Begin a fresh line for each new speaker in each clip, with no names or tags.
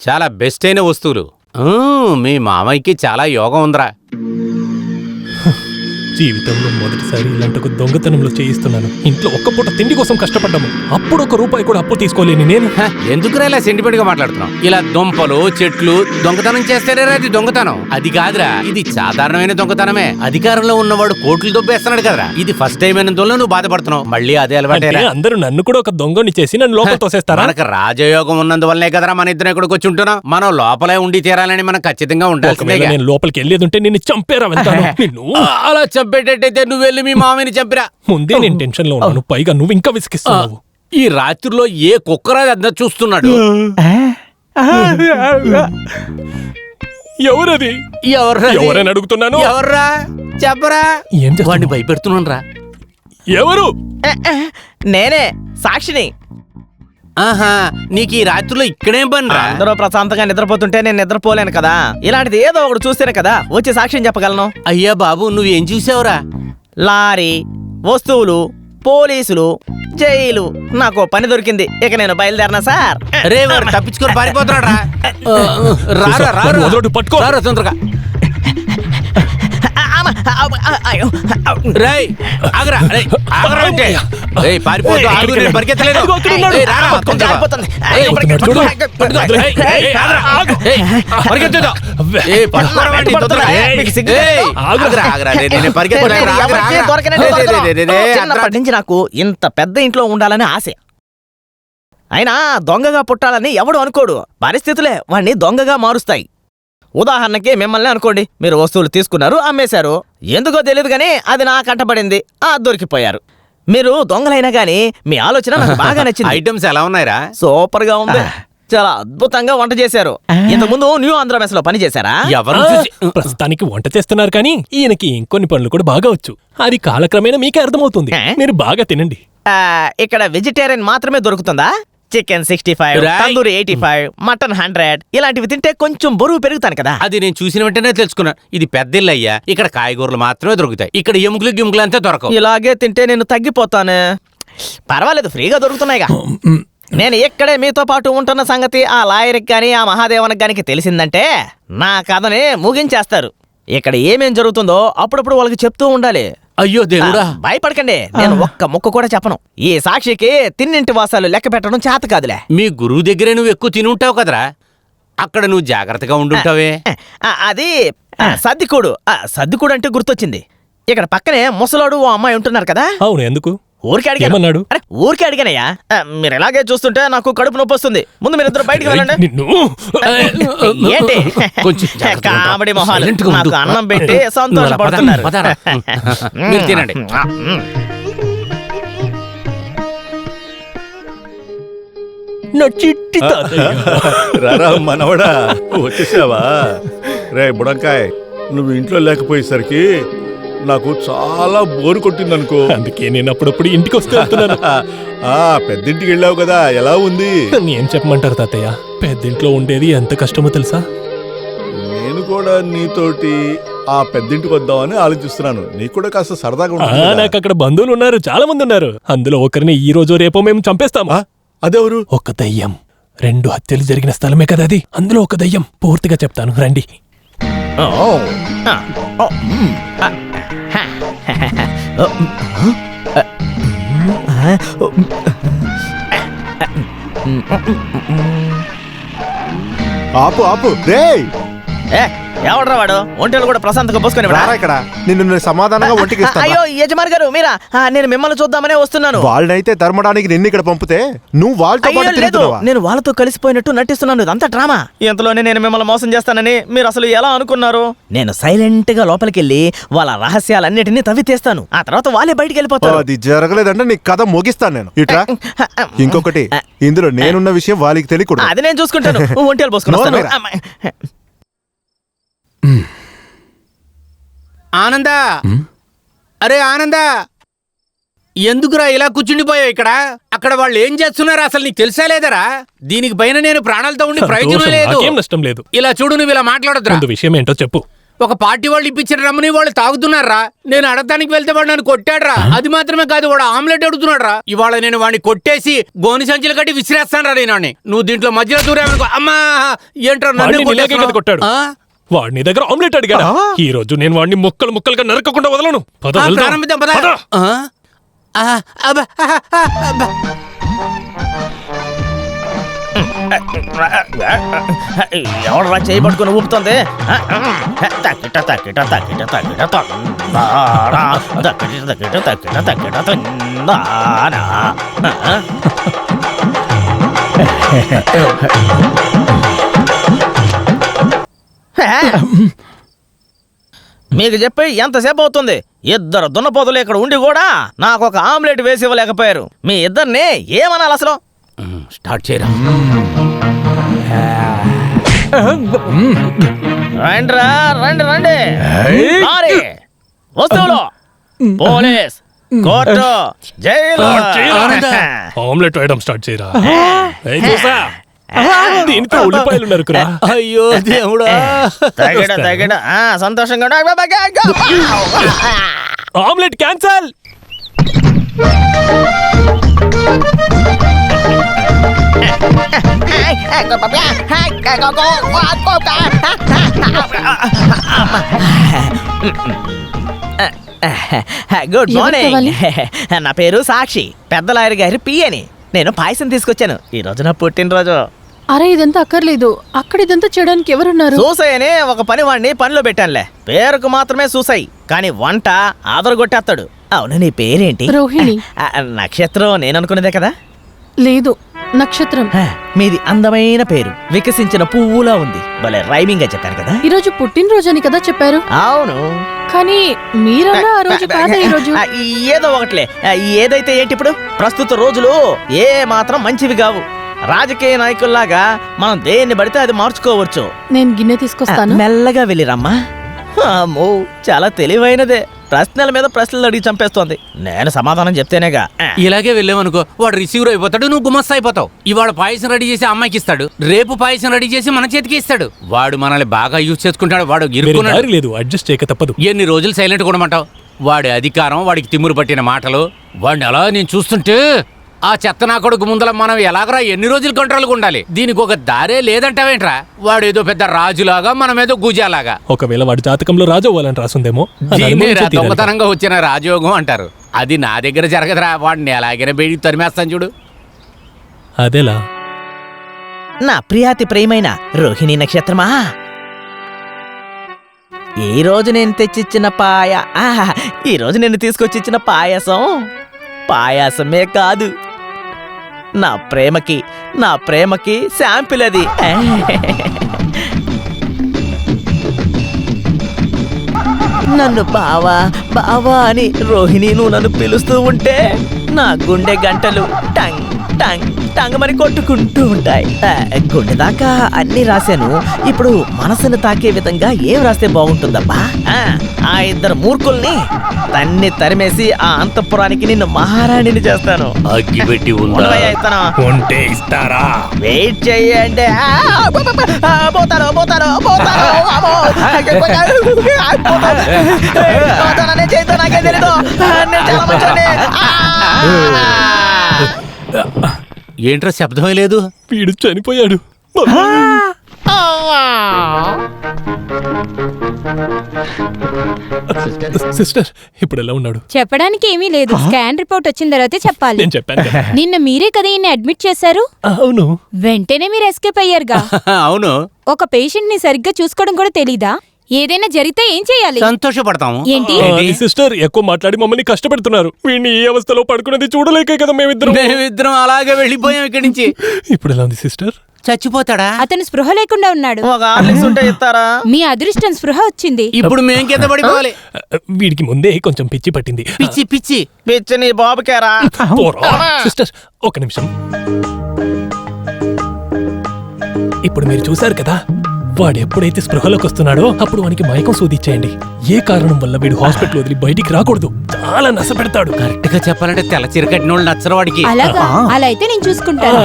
చాలా బెస్ట్ అయిన వస్తువులు. మీ మామయ్యకి చాలా యోగం ఉందిరా.
జీవితంలో మొదటిసారి ఇలాంటి ఒక దొంగతనంలో చేయిస్తున్నాను. ఇంట్లో ఒక్క పూట తిండి కోసం కష్టపడ్డాము, అప్పుడు ₹1 కూడా అప్పు తీసుకోలేని నేను.
ఎందుకురా ఇలా సెంటిమెంట్ గా మాట్లాడుతున్నావు? ఇలా దుంపలు చెట్లు దొంగతనం చేస్తారా? అది దొంగతనం అది కాదురా, ఇది సాధారణమైన దొంగతనమే. అధికారంలో ఉన్నవాడు కోట్లు దొబ్బేస్తున్నాడు కదరా. ఇది ఫస్ట్ టైం అయినందువల్ల నువ్వు బాధపడుతున్నావు. మళ్ళీ అదే అలవాటే.
అందరూ నన్ను కూడా ఒక దొంగని చేసి నన్ను లోపల తోసేస్తారా?
మనకు రాజయోగం ఉన్నందువల్లే కదరా మన ఇద్దరు ఇక్కడికి వచ్చి ఉంటున్నాం. మనం లోపలే ఉండి తీరాలని మనం ఖచ్చితంగా ఉండాలి.
నేను లోపలికి వెళ్ళేది ఉంటే నిన్ను చంపేరా వెళ్తాను.
అలా చంపేటట్టయితే నువ్వు వెళ్ళి మీ మామని చంపిరా.
ముందే నేను టెన్షన్ లో ఉన్నాను, పైగా నువ్వు ఇంకా విసిగిస్తున్నావు.
ఈ రాత్రిలో ఏ కుక్కరా అద్ద చూస్తున్నాడు?
ఎవరది? ఎవరని అడుగుతున్నాను.
ఎవర్రా చెప్పరా? వాడిని భయపెడుతున్నాను రా.
ఎవరు?
నేనే సాక్షిని.
ఆహా, నీకు ఈ రాత్రిలో ఇక్కడేం పని రా?
అందరూ ప్రశాంతంగా నిద్రపోతుంటే నేను నిద్రపోలేను కదా. ఇలాంటిది ఏదో ఒకటి చూస్తేనే కదా వచ్చి సాక్ష్యం చెప్పగలను.
అయ్యా బాబు, నువ్వేం చూసావురా?
లారీ, వస్తువులు, పోలీసులు, జైలు. నాకు పని దొరికింది. ఇక నేను బయలుదేరినా సార్.
రే వాడు తప్పించుకొని పారిపోతున్నాడు రా. రారా తొందరగా. రేయ్ ఆగరా, ఆగరా అంటే పారిపోతూ పరిగెత్తలేదు.
చిన్నప్పటి నుంచి నాకు ఇంత పెద్ద ఇంట్లో ఉండాలని ఆశ. అయినా దొంగగా పుట్టాలని ఎవడు అనుకోడు. పరిస్థితులే వాణ్ణి దొంగగా మారుస్తాయి. ఉదాహరణకి మిమ్మల్ని అనుకోండి. మీరు వస్తువులు తీసుకున్నారు, అమ్మేశారు. ఎందుకో తెలియదు గానీ అది నా కంటపడింది, దొరికిపోయారు. మీరు దొంగలైనా గానీ మీ ఆలోచన నాకు బాగా నచ్చింది.
ఐటమ్స్ ఎలా ఉన్నాయిరా?
సూపర్ గా ఉంది. చాలా అద్భుతంగా వంట చేశారు. ఇంతకుముందు న్యూ ఆంధ్ర మెస్ లో పని చేశారా?
ఎవరు?
ప్రస్తుతానికి వంట చేస్తున్నారు కానీ ఈయనకి ఇంకొన్ని పనులు కూడా బాగా వచ్చు. అది కాలక్రమేణా మీకే అర్థమవుతుంది. మీరు బాగా తినండి.
ఇక్కడ వెజిటేరియన్ మాత్రమే దొరుకుతుందా? చికెన్ 65, తందూరి 85, మటన్ 100 ఇలాంటివి తింటే కొంచెం బరువు పెరుగుతాను కదా.
అది నేను చూసిన వెంటనే తెలుసుకున్నాను. ఇది పెద్ద ఇల్లు అయ్యా, ఇక్కడ కాయగూరలు మాత్రమే దొరుకుతాయి. ఇక్కడ ఎముకలు అంతా దొరకవు.
ఇలాగే తింటే నేను తగ్గిపోతాను. పర్వాలేదు, ఫ్రీగా దొరుకుతున్నాయిగా. నేను ఇక్కడే మీతో పాటు ఉంటున్న సంగతి ఆ లాయర్కి గాని ఆ మహాదేవనికి గానికి తెలిసిందంటే నా కథని ముగించేస్తారు. ఇక్కడ ఏమేం జరుగుతుందో అప్పుడప్పుడు వాళ్ళకి చెప్తూ ఉండాలి.
అయ్యో దేవుడా,
భయపడకండి, నేను ఒక్క ముక్క కూడా చెప్పను. ఈ సాక్షికి తిన్నింటి వాసాలు లెక్క పెట్టడం చేత కాదులే.
మీ గురువు దగ్గరే నువ్వు ఎక్కువ తిని ఉంటావు కదరా, అక్కడ నువ్వు జాగ్రత్తగా ఉండుంటావే.
అది సర్దికూడు. సర్దికూడు అంటే గుర్తొచ్చింది. ఇక్కడ పక్కనే ముసలాడు ఓ అమ్మాయి ఉంటున్నారు కదా.
అవును, ఎందుకు?
ఊరికే అడిగాను. ఊరికే అడిగానయ్యా. మీరు ఎలాగే చూస్తుంటే నాకు కడుపు నొప్పి వస్తుంది. ముందు మీరు ఇద్దరు బయటికి వెళ్ళండి. ఏంటి కామెడీ మొహాలు? నాకు అన్నం పెట్టి సంతోషపడుతున్నారు.
తినండి.
రారా మనవడా, వచ్చేసావా? రే బుడంకాయ్, నువ్వు ఇంట్లో లేకపోయేసరికి నాకు చాలా బోరు కొట్టిందనుకో.
అందుకే నేను అప్పుడప్పుడు ఇంటికి వస్తూ వెళ్తున్నాను.
పెద్దింటికి వెళ్ళావు కదా, ఎలా ఉంది?
ఏం చెప్పమంటారు తాతయ్య, పెద్దింట్లో ఉండేది ఎంత కష్టమో తెలుసా?
నేను కూడా నీతోటి ఆ పెద్దింటికి వద్దామని ఆలోచిస్తున్నాను. నీకు కూడా కాస్త సరదాగా ఉంటుంది.
నాకు అక్కడ బంధువులు ఉన్నారు, చాలా మంది ఉన్నారు. అందులో ఒకరిని ఈ రోజు రేపో మేము చంపేస్తామా.
అదెవరు?
ఒక దయ్యం. 2 హత్యలు జరిగిన స్థలమే కదా అది. అందులో ఒక దయ్యం. పూర్తిగా చెప్తాను, రండి.
ఆపు ఆపు రేయ్.
ఎవడ్రా వాడు? ఒంటెలు కూడా ప్రశాంతంగా పోసుకొని
ఇక్కడ నిన్ను సమాధానంగా ఒంటికి ఇస్తాను.
అయ్యో యజమాని గారు మీరా? నేను మిమ్మల్ని చూద్దామనే వస్తున్నాను.
వాళ్ళనైతే తరమడానికి నిన్ను ఇక్కడ పంపితే నువ్వు వాళ్ళతో పాటు తిరుగుతున్నావా?
నేను వాళ్ళతో కలిసిపోయినట్టు నటిస్తున్నాను. ఇదంతా డ్రామా. ఇంతలోనే నేను మిమ్మల్ని మోసం చేస్తానని మీరు అసలు ఎలా అనుకున్నారు? నేను సైలెంట్ గా లోపలికి వెళ్ళి వాళ్ళ రహస్యాలన్నిటినీ తవ్వి తీస్తాను. ఆ తర్వాత వాళ్ళే బయటికి వెళ్ళిపోతారు.
అది జరగలేదంటే నీ కథ ముగిస్తాను నేను. ఇట్రా. ఇంకొకటి, ఇందులో నేనున్న విషయం వాళ్ళకి తెలియకూడదు.
అది నేను చూసుకుంటాను. ఒంటెలు పోసుకుని వస్తాను.
ఆనందా, అరే ఆనందా, ఎందుకురా ఇలా కూర్చుండిపోయావు ఇక్కడ? అక్కడ వాళ్ళు ఏం చేస్తున్నారు అసలు నీకు తెలుసా లేదరా? దీనికి పైన నేను ప్రాణాలతో ఉండి ప్రయోజనం లేదు.
నష్టం లేదు.
ఇలా చూడు, నువ్వు ఇలా మాట్లాడొద్దురా.
విషయం ఏంటో చెప్పు.
ఒక పార్టీ వాళ్ళు ఇప్పించిన రమ్మని వాళ్ళు తాగుతున్నారా. నేను అడగడానికి వెళ్తే వాడు నన్ను కొట్టాడ్రా. అది మాత్రమే కాదు, వాడు ఆమ్లెట్ అడుగుతున్నాడ్రా. ఇవాళ నేను వాడిని కొట్టేసి గోని సంచులు కట్టి విసిరేస్తాను రా నేను. నువ్వు దీంట్లో మధ్యలో దూరేమనుకో. అమ్మా ఏంట్రా నన్ను
వాడిని ఇలాగే కదా కొట్టాడు.
కొట్టేస్తున్నావు?
వాడిని దగ్గర ఆమ్లెట్ అడిగాడు. ఈ రోజు నేను వాడిని ముక్కలు ముక్కలుగా నరకకుండా వదలను. పద, వెళ్దాం.
ప్రారంభిద్దాం పద.
పద.
ఎవడరా చేయి పట్టుకుని ఊపుతుంది? తక్కిట తక్కిట తక్కిట తక్కిట తందారా, తక్కిట తక్కిట తక్కిట తక్కిట తందారా. మీకు చెప్పి ఎంతసేపు అవుతుంది? ఇద్దరు దున్నపోతులు ఇక్కడ ఉండి కూడా నాకు ఒక ఆమ్లెట్ వేసి ఇవ్వలేకపోయారు. మీ ఇద్దరిని ఏమనాలి అసలు?
స్టార్ట్ చేయరా.
రండిరా, రండి రండి. లారీ, వస్తువులు, పోలీస్, కోర్టు, జైలు.
ఆమ్లెట్ వేయడం స్టార్ట్ చేయరా. ఏయ్ చూసా, దీనికి ఉల్లిపాయలు నరుకురా.
అయ్యో దేవుడా.
తగిడ తగిడ సంతోషంగా
ఆమ్లెట్ క్యాన్సల్.
Good morning. నా పేరు సాక్షి, పెద్ద లాయర్ గారి పియని. నేను పాయసం తీసుకొచ్చాను. ఈ రోజు నా పుట్టినరోజు.
అరే ఇదంతా అక్కర్లేదు, అక్కడ ఇదంతా చేయడానికి ఎవరున్నారు?
సూసై అని ఒక పనివాడిని పనిలో పెట్టానులే. పేరుకు మాత్రమే సూసై, కానీ వంట ఆదరగొట్టేస్తాడు. అవును, నీ పేరేంటి?
రోహిణి.
నక్షత్రం నేను అనుకునేదే కదా.
లేదు, నక్షత్రం.
మీది అందమైన పేరు, వికసించిన పువ్వులా ఉంది. భలే రైమింగ్ గా చెప్పారు కదా.
ఈరోజు పుట్టినరోజు అని కదా చెప్పారు.
అవును,
కానీ మీరన్నా ఆ రోజు కాదా ఈ రోజు?
ఏదో ఒకట్లే. ఏదైతే ఏంటి, ఇప్పుడు ప్రస్తుత రోజులు ఏ మాత్రం మంచివి కావు. రాజకీయ నాయకుల్లాగా మనం దేన్ని పడితే అది మార్చుకోవచ్చు.
నేను గిన్నె తీసుకొస్తాను.
మెల్లగా వెళ్ళిరమ్మా. అమ్మో, చాలా తెలివైనదే. ప్రశ్నల మీద ప్రశ్నలు అడిగి చంపేస్తోంది. నేను సమాధానం చెప్తేనేగా.
ఇలాగే వెళ్ళామనుకో, వాడు రిసీవర్ అయిపోతాడు, నువ్వు గుమస్తా అయిపోతావు. ఇవాళ పాయసం రెడీ చేసి అమ్మాయికి ఇస్తాడు, రేపు పాయసం రెడీ చేసి మన చేతికి ఇస్తాడు. వాడు మనల్ని బాగా యూజ్ చేసుకుంటాడు. వాడు ఇరుక్కున్నాడు.
లేదు, అడ్జస్ట్ చేయక తప్పదు.
ఎన్ని రోజులు సైలెంట్ కొనమంటావు? వాడి అధికారం, వాడికి తిమ్మురు పట్టిన మాటలు, వాడిని అలా నేను చూస్తుంటే ఆ చెత్త నా కొడుకు ముందల మనం ఎలాగరా ఎన్ని రోజులు కంట్రోల్గా ఉండాలి? దీనికి ఒక దారే లేదంటావేంట్రా? వాడు ఏదో పెద్ద రాజులాగా, మనం ఏదో గుజాలాగా.
ఒకవేళ వాడి జాతకంలో రాజు అవ్వాలని రాసుందేమో.
దొంగతనంగా వచ్చిన రాజయోగం అంటారు. అది నా దగ్గర జరగదురా. వాడిని ఎలాగైనా బయటికి తరిమేస్తాను చూడు.
అదేలా?
నా ప్రియాతి ప్రియమైన రోహిణి నక్షత్రమా, ఈ రోజు నేను తెచ్చిచ్చిన ఈ రోజు నేను తీసుకొచ్చిచ్చిన పాయాసమే కాదు, నా ప్రేమకి శాంపిల్ అది. నన్ను బావా అని రోహిణి నువ్వు నన్ను పిలుస్తూ ఉంటే నా గుండె గంటలు టంగ్ టంగ్ టంగ్ మని కొట్టుకుంటూ ఉంటాయి. గుండె దాకా అన్ని రాశాను. ఇప్పుడు మనసును తాకే విధంగా ఏం రాస్తే బాగుంటుందబ్బా? ఆ ఇద్దరు మూర్ఖుల్ని తరిమేసి ఆ అంతఃపురానికి నిన్ను మహారాణిని చేస్తాను.
అగ్గిపెట్టి
ఉంటే ఇస్తారా?
వెయిట్ చెయ్యండి. నాకే తెలీదు.
ఏంట్రా శబ్దమే లేదు?
వీడు చనిపోయాడు. సిస్టర్, ఇప్పుడు ఎలా ఉన్నాడు?
చెప్పడానికి ఏమీ లేదు. స్కాన్ రిపోర్ట్ వచ్చిన తర్వాతే చెప్పాలి.
నేను చెప్పాను కదా.
నిన్న మీరే కదా ఈయన్ని అడ్మిట్ చేశారు.
అవును.
వెంటనే మీరు ఎస్కేప్ అయ్యారుగా.
అవును.
ఒక పేషెంట్ ని సరిగ్గా చూసుకోవడం కూడా తెలీదా? ఏదైనా జరిగితే ఏం చేయాలి?
సంతోషపడతాము.
ఏంటి?
సిస్టర్, ఎక్కువ మాట్లాడి మమ్మల్ని కష్టపెడుతున్నారు. వీడిని ఈ అవస్థలో పడుకున్నది చూడలేకే కదా
మేమిద్దరం అలాగే వెళ్ళిపోయాం ఇక్కడి నుంచి.
ఇప్పుడు ఎలా ఉంది సిస్టర్?
చచ్చిపోతాడా?
అతను స్పృహ లేకుండా ఉన్నాడు.
ఒక హార్లిక్స్ ఉంటే ఇస్తారా?
మీ అదృష్టం స్పృహ వచ్చింది.
ఇప్పుడు మేం కింద పడిపోవాలి.
వీడికి ముందే కొంచెం పిచ్చి పట్టింది.
పిచ్చి నీ బాబుకేరా?
సిస్టర్, ఒక నిమిషం. ఇప్పుడు మీరు చూశారు కదా, వాడు ఎప్పుడైతే స్పృహలోకి వస్తున్నాడో అప్పుడు వానికి మైకం సూదిచ్చేయండి. ఏ కారణం వల్ల వీడు హాస్పిటల్ వదిలి బయటికి రాకూడదు. చాలా నష్టపెడతాడు.
కరెక్ట్ గా చెప్పాలంటే తెల్ల చీర కట్టిన వాళ్ళు నచ్చరు వాడికి.
అలాగా? అలా అయితే నేను చూసుకుంటాను.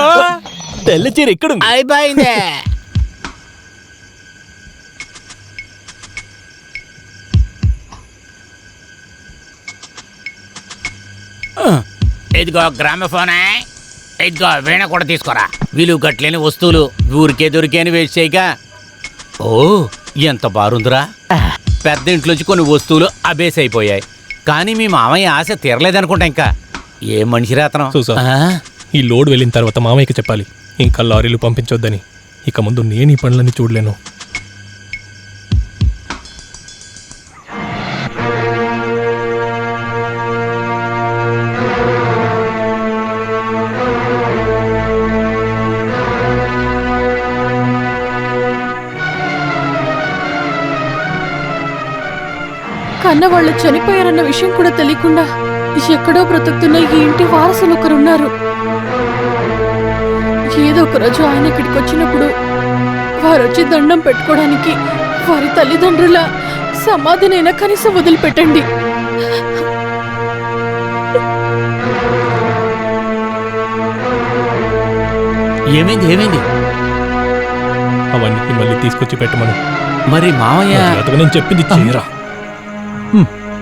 తెల్ల చీర ఎక్కడుంది?
అయిపోయిందే. ఇదిగో గ్రామఫోనే, ఇదిగో వీణ కూడా తీసుకోరా. విలువ కట్టలేని వస్తువులు ఊరికే దొరికేని వేస్ట్ చేయక. ఓ ఎంత బారుందిరా. పెద్ద ఇంట్లోంచి కొన్ని వస్తువులు అబేస్ అయిపోయాయి, కానీ మీ మామయ్య ఆశ తీరలేదనుకుంటా. ఇంకా ఏ మనిషి అతను.
చూసా.
ఆ?
ఈ లోడ్ వెళ్ళిన తర్వాత మామయ్యకి చెప్పాలి ఇంకా లారీలు పంపించొద్దని. ఇక ముందు నేను ఈ పనులన్నీ చూడలేను.
కన్నవాళ్ళు చనిపోయారన్న విషయం కూడా తెలియకుండా ఎక్కడో బ్రతుకుతున్న ఈ ఇంటి వారసులు ఒకరున్నారు. ఏదో ఒక రోజు ఆయన ఇక్కడికి వచ్చినప్పుడు వారు వచ్చి దండం పెట్టుకోవడానికి వారి తల్లిదండ్రుల సమాధినైనా కనీసం వదిలిపెట్టండి.
ఏమైంది ఏమైంది?
అవన్నీ మళ్ళీ తీసుకొచ్చి పెట్టమను.
మరి మామయ్య
నేను చెప్పింది చేయరా.